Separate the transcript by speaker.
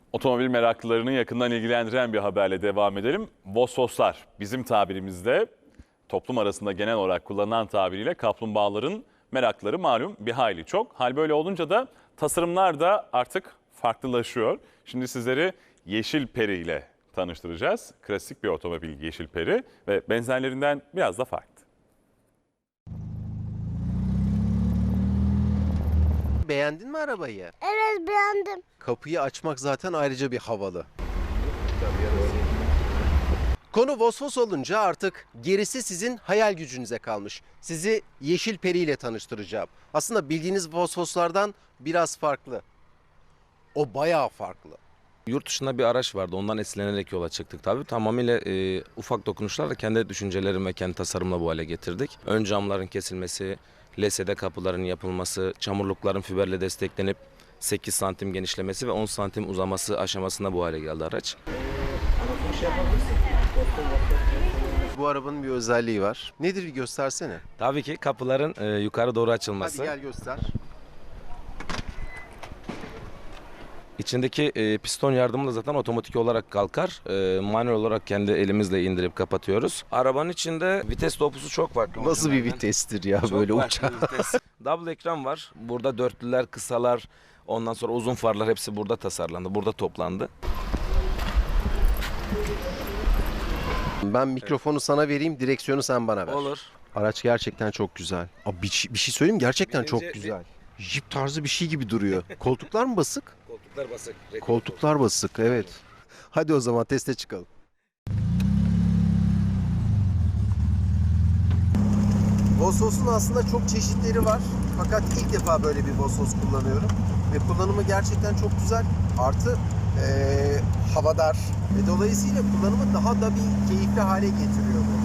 Speaker 1: Otomobil meraklılarını yakından ilgilendiren bir haberle devam edelim. Vosvoslar bizim tabirimizde toplum arasında genel olarak kullanılan tabiriyle kaplumbağaların merakları malum bir hayli çok. Hal böyle olunca da tasarımlar da artık farklılaşıyor. Şimdi sizleri Yeşil Peri ile tanıştıracağız. Klasik bir otomobil Yeşil Peri ve benzerlerinden biraz da farklı.
Speaker 2: Beğendin mi arabayı?
Speaker 3: Evet, beğendim.
Speaker 2: Kapıyı açmak zaten ayrıca bir havalı. Konu Vosvos olunca artık gerisi sizin hayal gücünüze kalmış. Sizi Yeşil Peri ile tanıştıracağım. Aslında bildiğiniz Vosvoslardan biraz farklı. O bayağı farklı.
Speaker 4: Yurt dışında bir araç vardı. Ondan esinlenerek yola çıktık tabii. Tamamıyla ufak dokunuşlarla kendi düşüncelerim ve kendi tasarımla bu hale getirdik. Ön camların kesilmesi, LSD kapıların yapılması, çamurlukların fiberle desteklenip 8 santim genişlemesi ve 10 santim uzaması aşamasında bu hale geldi araç.
Speaker 2: Bu arabanın bir özelliği var. Nedir, bir göstersene.
Speaker 4: Tabii ki kapıların yukarı doğru açılması.
Speaker 2: Hadi gel göster.
Speaker 4: İçindeki piston yardımıyla zaten otomatik olarak kalkar. Manuel olarak kendi elimizle indirip kapatıyoruz. Arabanın içinde vites topusu çok farklı.
Speaker 2: Nasıl bir vitestir ya
Speaker 4: Çok
Speaker 2: böyle
Speaker 4: farklı
Speaker 2: uçak.
Speaker 4: bir vites. Double ekran var. Burada dörtlüler, kısalar, ondan sonra uzun farlar hepsi burada tasarlandı. Burada toplandı.
Speaker 2: Ben mikrofonu sana vereyim, direksiyonu sen bana ver.
Speaker 4: Olur.
Speaker 2: Araç gerçekten çok güzel. Abi bir şey söyleyeyim mi? Gerçekten çok
Speaker 4: Birinci-
Speaker 2: güzel. Jeep tarzı bir şey gibi duruyor. Koltuklar mı basık?
Speaker 4: Koltuklar basık.
Speaker 2: Koltuklar basık, evet. Hadi o zaman teste çıkalım. Vosvos'un aslında çok çeşitleri var. Fakat ilk defa böyle bir Vosvos kullanıyorum. Ve kullanımı gerçekten çok güzel. Artı havadar. Ve dolayısıyla kullanımı daha da bir keyifli hale getiriyor bu.